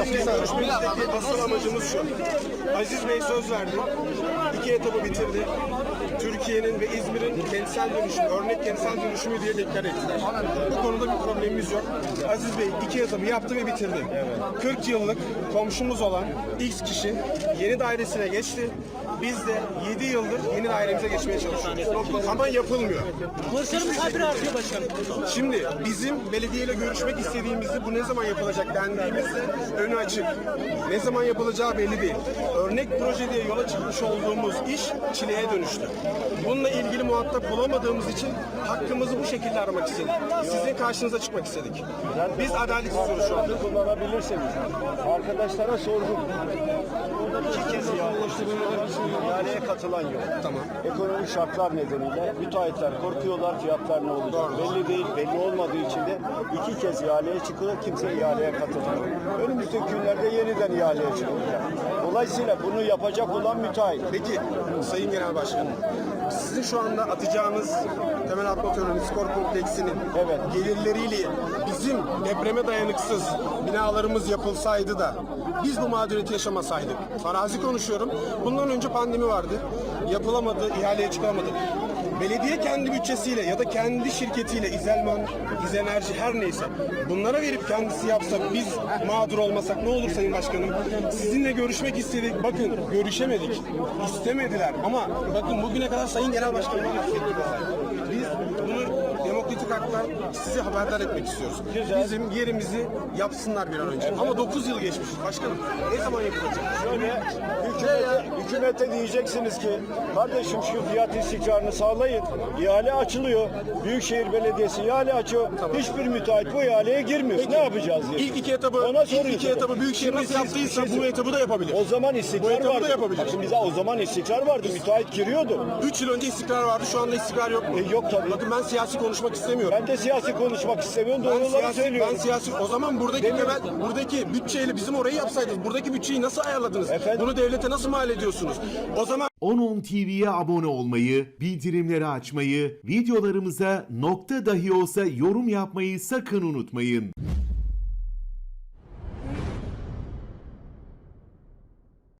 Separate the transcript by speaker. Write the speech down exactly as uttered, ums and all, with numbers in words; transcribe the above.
Speaker 1: görüşmemizdeki asıl amacımız şu. Aziz Bey söz verdi. İki etabı bitirdi. Türkiye'nin ve İzmir'in kentsel dönüşümü, örnek kentsel dönüşümü diye deklar ettiler. Bu konuda bir problemimiz yok. Aziz Bey iki etabı yaptı ve bitirdi. kırk yıllık komşumuz olan X kişi yeni dairesine geçti. Biz de yedi yıldır yeni dairemize geçmeye çalışıyoruz. Ama yapılmıyor.
Speaker 2: Borçlarımız habire artıyor başkanım.
Speaker 1: Şimdi bizim belediyeyle görüşmek istediğimizde bu ne zaman yapılacak dendiğimizde önü açık. Ne zaman yapılacağı belli değil. Örnek proje diye yola çıkmış olduğumuz iş çileye dönüştü. Bununla ilgili muhatap bulamadığımız için hakkımızı bu şekilde aramak istedik. Sizin karşınıza çıkmak istedik. Biz adalet istiyoruz şu anda.
Speaker 3: Kullanabilirseniz. Arkadaşlara sordum. İki kez ihaleye katılan yok.
Speaker 1: Tamam.
Speaker 3: Ekonomik şartlar nedeniyle müteahhitler korkuyorlar, fiyatlar ne olacak
Speaker 1: Doğru.
Speaker 3: belli değil, belli olmadığı için de iki kez ihaleye çıkıyor, kimse ihaleye katılmıyor. Önümüzdeki günlerde yeniden ihaleye çıkılacak. Dolayısıyla bunu yapacak olan müteahhit.
Speaker 1: Peki Sayın Genel Başkanım, sizin şu anda atacağınız temel atma töreni skor kompleksinin
Speaker 3: Evet.
Speaker 1: gelirleriyle bizim depreme dayanıksız binalarımız yapılsaydı da biz bu mağduriyeti yaşamasaydık. Farazi konuşuyorum. Bundan önce pandemi vardı. Yapılamadı, ihaleye çıkamadı. Belediye kendi bütçesiyle ya da kendi şirketiyle İzelman, İzenerji her neyse bunlara verip kendisi yapsa biz mağdur olmasak ne olur Sayın Başkanım? Sizinle görüşmek istedik. Bakın görüşemedik. İstemediler ama bakın bugüne kadar Sayın Genel Başkanım biz bunu demokratik haklar sizi haberdar etmek istiyoruz.
Speaker 3: Güzel.
Speaker 1: Bizim yerimizi yapsınlar bir an önce. Ama dokuz yıl geçmiş. Başkanım ne zaman yapılacak?
Speaker 3: Şöyle hükümete, hükümete diyeceksiniz ki kardeşim şu fiyat istikrarını sağlayın. İhale açılıyor. Büyükşehir Belediyesi ihale açıyor. Hiçbir müteahhit bu ihaleye girmiyor.
Speaker 1: Peki,
Speaker 3: ne yapacağız diye.
Speaker 1: İlk iki etabı,
Speaker 3: Ona
Speaker 1: ilk iki
Speaker 3: soruyorsun.
Speaker 1: etabı Büyükşehir nasıl
Speaker 3: Şimdi siz
Speaker 1: yaptıysa
Speaker 3: bir şey
Speaker 1: bu etabı da yapabilir.
Speaker 3: O zaman
Speaker 1: Bu
Speaker 3: istikrar
Speaker 1: etabı da
Speaker 3: vardı.
Speaker 1: yapabilir.
Speaker 3: Bakın bize o zaman istikrar vardı. Müteahhit giriyordu.
Speaker 1: Üç yıl önce istikrar vardı, şu anda istikrar yok mu?
Speaker 3: E, yok tabii.
Speaker 1: Bakın ben siyasi konuşmak istemiyorum.
Speaker 3: Ben de siyasi konuşmak istemiyorum.
Speaker 1: Ben
Speaker 3: Doğruları
Speaker 1: siyasi,
Speaker 3: söylüyorum.
Speaker 1: ben siyasi, o zaman buradaki
Speaker 3: Demiyorum.
Speaker 1: temel, buradaki bütçeyle bizim orayı yapsaydınız, buradaki bütçeyi nasıl ayarladınız?
Speaker 3: Efendim?
Speaker 1: Bunu devlete nasıl mal ediyorsunuz? O zaman
Speaker 4: on on T V'ye abone olmayı, bildirimleri açmayı, videolarımıza nokta dahi olsa yorum yapmayı sakın unutmayın.